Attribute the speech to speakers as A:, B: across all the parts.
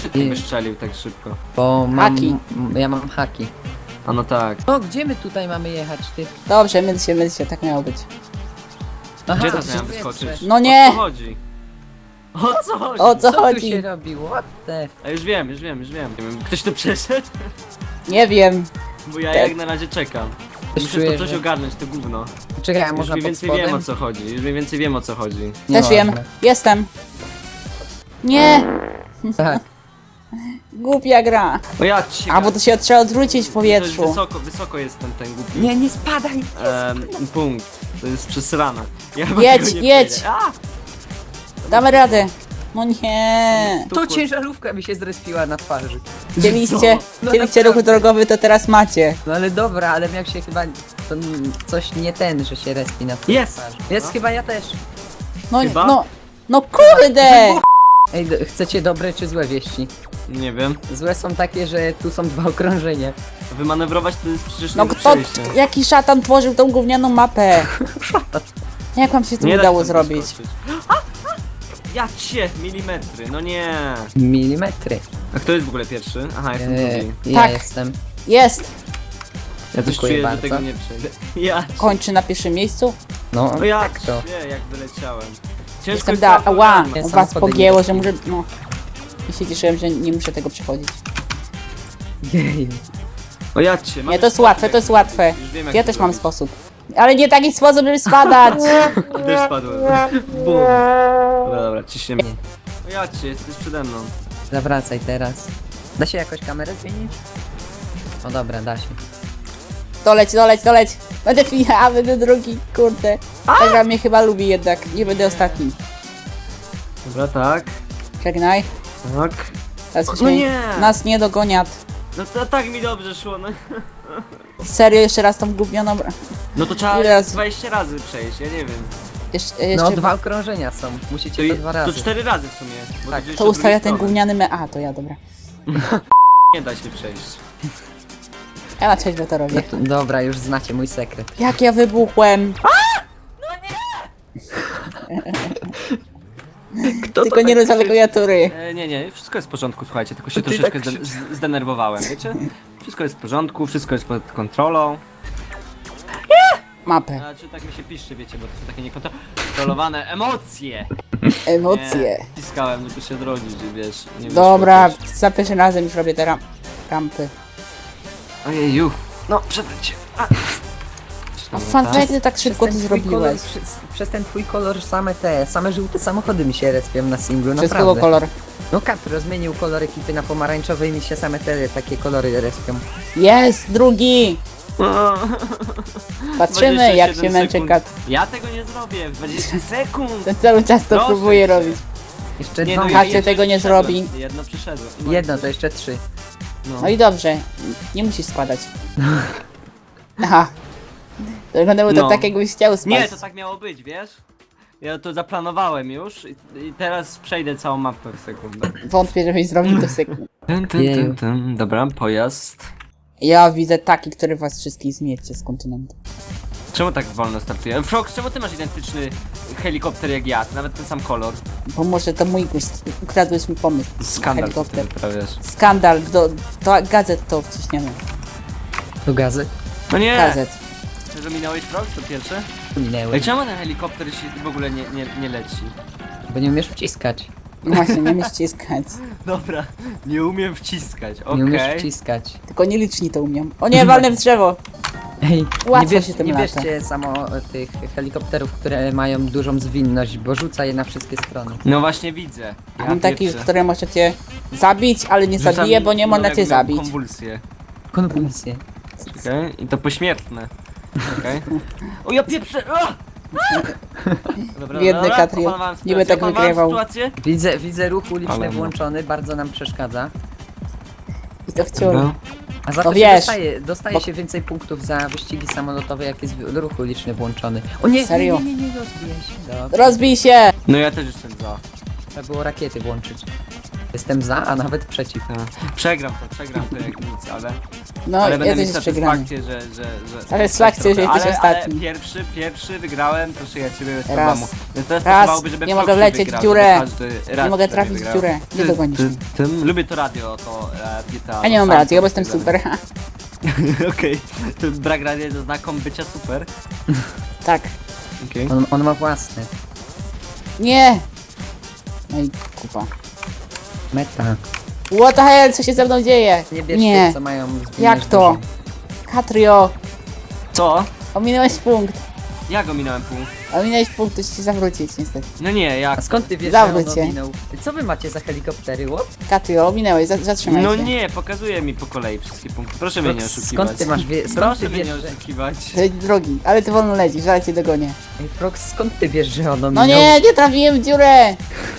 A: ty wystrzelił tak szybko?
B: Bo mam...
C: Haki.
B: Ja mam haki.
A: A no tak.
B: No, gdzie my tutaj mamy jechać, ty?
C: Dobrze, myl się, tak miało być.
B: Aha,
A: Gdzie
B: to
A: to miałem
B: się
A: wyskoczyć?
B: wietrze.
C: No nie!
A: O co chodzi? O co chodzi?
C: O co
B: Co tu
C: chodzi?
B: się robiło? What the...
A: A już wiem. Ktoś tu przeszedł?
C: Nie wiem.
A: Bo ja
C: Tak.
A: jak na razie czekam.
B: Coś
A: Muszę
B: czuję,
A: to coś
B: że-
A: ogarnąć, to gówno.
B: Czekaj, a
A: Już
B: można
A: mniej
B: pod
A: więcej wiem o
B: spodem?
A: co chodzi. Już mniej więcej wiem o co chodzi.
C: Też
B: Nieważne.
C: wiem. Jestem. Nie!
B: Tak.
C: Głupia gra.
A: O ja cię.
C: A bo to się trzeba odwrócić w
A: To
C: powietrzu.
A: jest wysoko jest ten głupi.
B: Nie, nie spadaj!
A: Punkt. To jest przesrana. Ja
C: Jedź,
A: tego nie
C: jedź.
A: przejdę. A!
C: Damy radę. No nie.
B: To ciężarówka mi się zrespiła na twarzy.
C: Chcieliście
B: No
C: ruch
B: naprawdę.
C: drogowy, to teraz macie.
B: No ale dobra, ale miał się chyba... To coś nie ten, że się respi na
A: Jest!
B: twarzy. Jest
A: No.
B: chyba ja też.
C: No,
A: Chyba?
C: no kurde!
B: Ej, chcecie dobre czy złe wieści?
A: Nie wiem.
B: Złe są takie, że tu są 2 okrążenia.
A: Wymanewrować to jest przecież
C: No
A: nie do
C: kto,
A: przejścia.
C: jaki szatan tworzył tą gównianą mapę? Jak wam się to
A: Nie da
C: udało
A: się tam
C: zrobić?
A: wyskoczyć. Ja cię, milimetry, no nie.
B: Milimetry.
A: A kto jest w ogóle pierwszy? Aha, jestem drugi.
B: Ja
C: Tak.
B: jestem.
C: Jest!
A: Ja coś
B: Dziękuję
A: czuję,
B: bardzo.
A: że tego nie przejdę. Ja
C: Kończy na pierwszym miejscu.
B: No,
A: No ja
B: tak to.
A: cię, jak wyleciałem. Ciężko
C: Jestem
A: jest
C: da.
A: to
C: Ała!
A: ogarnąć.
C: U was
B: Samochody nie
C: pogięło, że
B: rozumiem.
C: muszę. No. I się cieszyłem, że nie muszę tego przechodzić.
B: Jej.
A: O ja cię,
C: Nie, to jest łatwe, to jest łatwe.
A: Już wiem, jak
C: Ja
A: to
C: też mam
A: zrobić.
C: sposób. Ale nie taki sposób, żeby spadać!
A: Też spadłem. Bum. Dobra, ciśniemy. O ja cię, jesteś przede mną.
B: Zawracaj teraz. Da się jakoś kamerę zmienić? O dobra, da się.
C: Doleć! Będę drugi, kurde. Ta gra mnie chyba lubi jednak, nie będę ostatni.
A: Dobra, tak.
C: Żegnaj.
A: Tak.
C: Teraz
A: No
C: byśmy
A: nie!
C: nas nie dogoniat.
A: No to tak mi dobrze szło, no.
C: Serio, jeszcze raz tą gównianą
A: No to trzeba
C: Ile razy?
A: 20 razy przejść, ja nie wiem.
C: jeszcze
B: No 2 okrążenia są. Musicie to 2
A: To
B: razy.
A: 4 razy w sumie. Bo
B: Tak,
A: to
C: to ustawia ten gówniany A, to ja, dobra.
A: Nie da się przejść.
C: Ja na trzeźwo to
B: No
C: robię.
B: to, dobra, już znacie mój sekret.
C: Jak ja wybuchłem!
B: Kto
C: Tylko nie rozwalę klawiatury.
A: Nie, wszystko jest w porządku, słuchajcie, tylko się
B: To ty
A: troszeczkę
B: tak
A: zdenerwowałem, wiecie? Wszystko jest w porządku, wszystko jest pod kontrolą.
C: Mapę.
A: Znaczy tak mi się pisze, wiecie, bo to są takie niekontrolowane emocje.
C: Emocje.
A: Nie, Wciskałem, żeby się odrodzić, wiesz. Nie
C: Dobra,
A: wyszło
C: za pierwszym razem już robię te rampy.
A: coś. Ojeju. No, przewróć.
C: A fanfekty tak szybko to
B: ten twój
C: zrobiłeś.
B: Kolor, przez ten twój kolor same żółte samochody mi się respią na singlu,
C: Przez kogo
B: naprawdę.
C: kolor?
B: No Katro zmienił kolor ekipy na pomarańczowy i mi się same te takie kolory respią.
C: Jest, drugi! Patrzymy jak się
A: 27
C: męczy
A: sekund.
C: kat.
A: Ja tego nie zrobię w 20 sekund.
C: Ten cały czas to
A: Proszę
C: próbuje
A: cię.
C: robić.
B: Jeszcze
A: Nie,
B: 2
A: no,
C: Kacie
A: jedno
C: tego nie
A: przyszedłem.
C: zrobi.
A: Jedno przyszedłem.
B: Jedno, to jeszcze 3.
C: No i dobrze, nie musisz spadać. Aha. To wyglądało to
A: No.
C: tak jakbyś chciał spać.
A: Nie, to tak miało być, wiesz? Ja to zaplanowałem już i teraz przejdę całą mapę w sekundę.
C: Wątpię, żebyś zrobił to sekund.
B: Jeju.
A: Dobra, pojazd.
C: Ja widzę taki, który was wszystkich zmiecie z kontynentu.
A: Czemu tak wolno startuje? Frox, czemu ty masz identyczny helikopter jak ja? Nawet ten sam kolor.
C: Bo może to mój gust, ukradłeś mi pomysł.
A: Skandal, co ty
C: Helikopter.
A: wyprawiasz.
C: Skandal, do gazet to wciśniemy.
B: Do gazy.
A: No nie!
C: Gazet.
A: Że minąłeś Frox, to pierwsze?
B: Minęły.
A: Ej, czemu ten helikopter się w ogóle nie leci?
B: Bo nie umiesz wciskać.
C: No właśnie, nie umiesz ściskać.
A: Dobra, nie umiem wciskać,
B: Nie umiesz
A: okej.
B: wciskać.
C: Tylko nieliczni to umią. O nie, walnę w drzewo!
B: Ej,
C: Łatwo
B: nie,
C: się tym
B: nie
C: lata.
B: bierzcie samo tych helikopterów, które mają dużą zwinność, bo rzuca je na wszystkie strony.
A: No właśnie widzę. Ja
C: Mam taki,
A: pieprzę.
C: które możecie zabić, ale nie
A: Rzucam
C: zabije, bo nie
A: no,
C: można cię
A: jak miałem
C: zabić.
A: konwulsje.
B: Konwulsje.
A: Okej, i to pośmiertne. Okej. O ja pieprzę! A! Dobra,
C: Biedny
A: dobra,
C: Katriel.
A: opanowałem
C: Nie by
A: sytuację,
C: tak
A: opanowałem
C: wygrywał.
A: sytuację.
B: Widzę ruch uliczny
A: Ale no.
B: włączony, bardzo nam przeszkadza.
C: I to wciąż.
A: Dobra.
B: A za
C: No
B: to
C: wiesz,
B: się dostaje
C: bo-
B: się więcej punktów za wyścigi samolotowe, jak jest ruch uliczny włączony. O nie,
C: Serio?
B: nie rozbijaj się. Dobra.
C: Rozbij się!
A: No ja też jestem za.
B: Trzeba było rakiety włączyć. Jestem za, a nawet przeciw.
A: Przegram to jak nic, ale...
C: No,
A: ale
C: ja
A: będę
C: też
A: mieć
C: jest przegrany.
A: satysfakcję, że...
C: Satysfakcję, że jesteś ostatni.
A: Ale pierwszy wygrałem, proszę ja ciebie bez
C: Raz.
A: problemu. Więc teraz
C: Raz.
A: pasowałoby, żeby
C: Nie
A: Foxy
C: mogę wlecieć w
A: wygrał,
C: dziurę.
A: żeby każdy raz
C: Nie mogę
A: przynajmniej
C: trafić w
A: wygrał.
C: dziurę. Nie dogonisz mnie.
A: Lubię to radio, to GTA.
C: A nie mam
A: sam
C: racji,
A: to
C: bo jestem
A: stwierdzam.
C: super.
A: Okej, to brak radia jest znakom bycia super.
C: Tak.
A: Okej.
B: On ma własny.
C: Nie! No i kupa.
B: Meta.
C: What the hell, co się ze mną dzieje?
B: Nie bierz
C: Nie.
B: tych, co mają zwinność
C: Jak to?
B: dużą.
C: Katrio,
A: Co?
C: ominąłeś punkt.
A: Ja go minąłem punkt.
C: Ominąłeś punkt, to się zawrócić niestety.
A: No nie, jak?
B: A skąd ty wiesz,
C: Zawróć
B: że on
C: się.
B: ominął? Co wy macie za helikoptery, what?
C: Katrio, ominąłeś, zatrzymaj
A: No
C: się.
A: nie, pokazuje mi po kolei wszystkie punkty. Proszę mnie nie oszukiwać.
B: Skąd ty masz skąd
A: Proszę
B: ty
A: mnie
B: wiesz,
A: nie
B: że...
A: oszukiwać.
C: To jest drogi, ale ty wolno lecisz, zaraz cię dogonię.
B: Ej, Frox, skąd ty wiesz, że on ominął?
C: No nie, nie trafiłem w dziurę!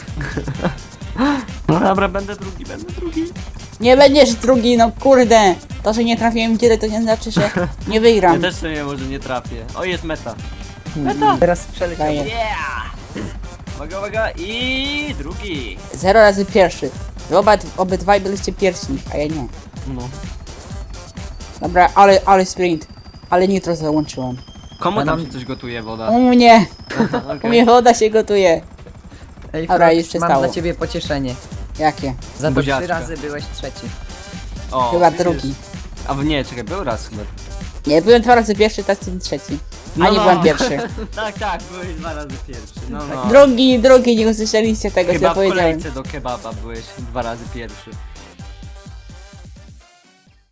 A: No dobra, będę drugi.
C: Nie będziesz drugi, no kurde! To, że nie trafiłem w dziurę, to nie znaczy, że nie
A: Ja
C: wygram.
A: też sobie może nie trafię. O, jest meta.
B: Teraz przeleciał.
C: Daję.
A: Yeah! Uwaga i drugi.
C: 0 razy pierwszy. Wy obydwaj byliście pierwsi, a ja nie.
A: No.
C: Dobra, ale sprint. Ale nitro załączyłem.
A: Komu
B: Ja
A: tam
B: mam-
A: się coś gotuje woda?
C: U mnie! U
A: Okej.
C: mnie woda się gotuje.
B: Ej,
C: Dobra, już
B: Frox,
C: się
B: mam
C: stało.
B: dla ciebie pocieszenie.
C: Jakie?
B: Za to
A: Buziaczka.
B: 3 razy byłeś trzeci.
A: O,
C: Chyba
A: widzisz?
C: drugi.
A: A nie, czekaj, był raz chyba.
C: Nie, byłem 2 razy pierwszy, teraz jestem trzeci. A nie byłem pierwszy.
A: tak, byłeś 2 razy pierwszy. No.
C: Drugi, nie usłyszeliście tego, co
A: Chyba
C: ja
A: w
C: powiedziałem.
A: kolejce do kebaba byłeś 2 razy pierwszy.